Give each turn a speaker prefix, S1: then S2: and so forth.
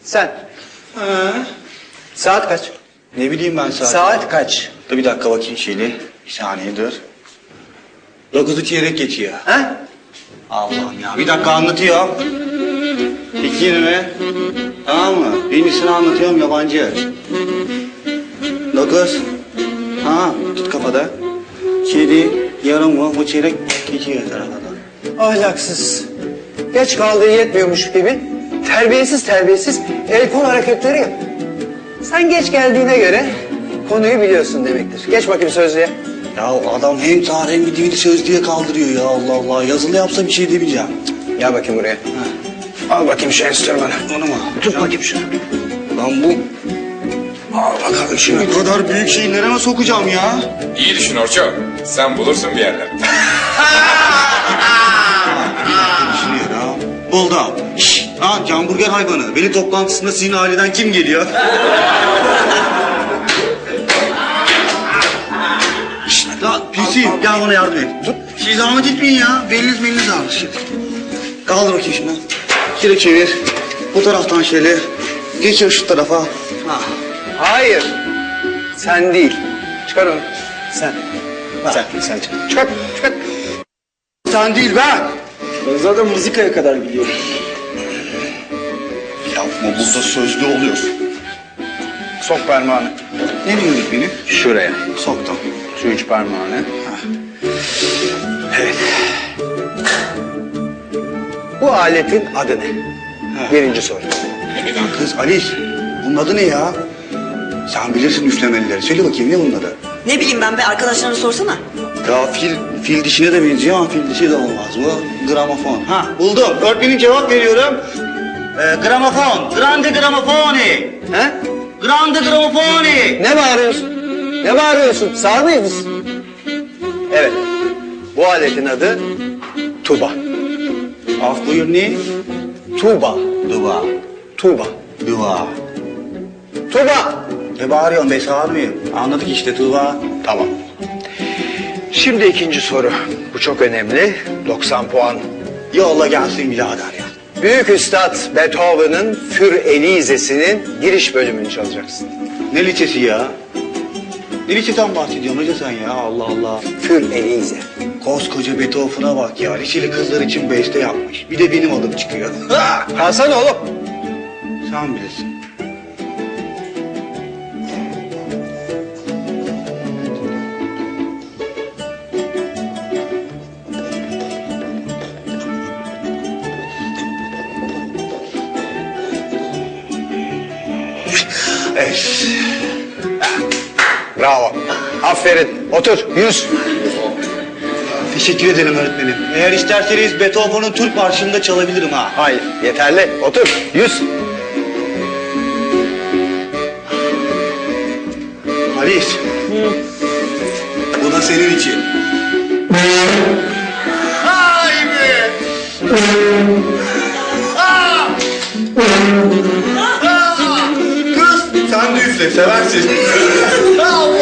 S1: Sen. Saat kaç?
S2: Ne bileyim ben saat.
S1: Saat kaç?
S2: Dur bir dakika bakayım şeyli. Bir saniye dur. 9'u çeyrek geçiyor.
S1: Ha?
S2: Allah'ım ya. Bir dakika anlatıyorum. 2:20. Tamam mı? Birincisini anlatıyorum yabancı. 9. Ha, tut kafada. 7 yarım mı? Bu çeyrek geçiyor tarafada.
S1: Ahlaksız. Geç kaldığı yetmiyormuş gibi terbiyesiz el kol hareketleri yap. Sen geç geldiğine göre konuyu biliyorsun demektir. Geç bakayım sözlüğe.
S2: Ya adam hem tarih hem dini söz diye kaldırıyor ya Allah Allah. Yazılı yapsa bir şey demeyeceğim.
S1: Gel bakayım buraya. Al bakayım şu enstrümanı.
S2: Onu mu?
S1: Tut bakayım şunu.
S2: Lan bu... Al bakalım şunu. Bu kadar büyük şeyi nereye sokacağım ya?
S3: İyi düşün Orço. Sen bulursun bir yerler.
S2: Düşünüyor ya. Buldum. Şşş. Lan hamburger hayvanı. Veli toplantısında sizin aileden kim geliyor? Şşş. Lan Pisiyim. Gel bana yardım et. Dur. Siz zahmet etmeyin ya. Beliniz ağrır. Kaldır bakayım şunu. Şöyle çevir. Bu taraftan şöyle. Geçir şu tarafa. Ha.
S1: Hayır. Sen değil. Çıkar onu. Sen. Sen çıkar. Çıkar.
S2: Sen değil ben.
S1: Ben zaten mızıkaya kadar biliyorum.
S2: Yapma burada sözlü oluyor.
S1: Sok parmağını.
S2: Nereye öğretmenim?
S1: Şuraya.
S2: Soktum.
S1: Şu üç parmağını. Evet. Bu aletin adı ne? Birinci soru.
S2: Lan kız Alice, bunun adı ne ya? Sen bilirsin üflemelileri. Söyle bakayım ne bunun adı?
S4: Ne bileyim ben be, arkadaşlarına sorsana.
S2: Ya fil dişine de benziyor ama fil dişi de olmaz. Bu gramofon. Ha buldum. Öğretmenim cevap veriyorum. Gramofon. Grande gramofoni.
S1: He?
S2: Grande gramofoni.
S1: Ne bağırıyorsun? Ne bağırıyorsun? Sağır mıyız? Evet. Bu aletin adı tuba.
S2: Af buyur ne?
S1: Tuba.
S2: Dua.
S1: Tuba.
S2: Dua.
S1: Tuba.
S2: Ne bağırıyorsun be sağır mıyım? Anladık işte Tuğba.
S1: Tamam. Şimdi ikinci soru. Bu çok önemli. 90 puan.
S2: Yolla gelsin birader ya.
S1: Büyük Üstad Beethoven'ın Für Elise'sinin giriş bölümünü çalacaksın.
S2: Ne liçesi ya? Ne liçeden bahsediyorsun hoca sen ya? Allah Allah.
S1: Für Elise.
S2: Koskoca Beethoven'a bak ya. Liçeli kızlar için beste yapmış. Bir de benim adım çıkıyor.
S1: Kalsana oğlum.
S2: Sen bilirsin. Evet.
S1: Bravo. Aferin. Otur. 100.
S2: Teşekkür ederim öğretmenim. Eğer isterseniz Beethoven'ın Türk Marşı'nı da çalabilirim ha.
S1: Hayır. Yeterli. Otur. 100.
S2: Halis. Bu da senin için. Ay be! Kız sen de üfle seversin. Allah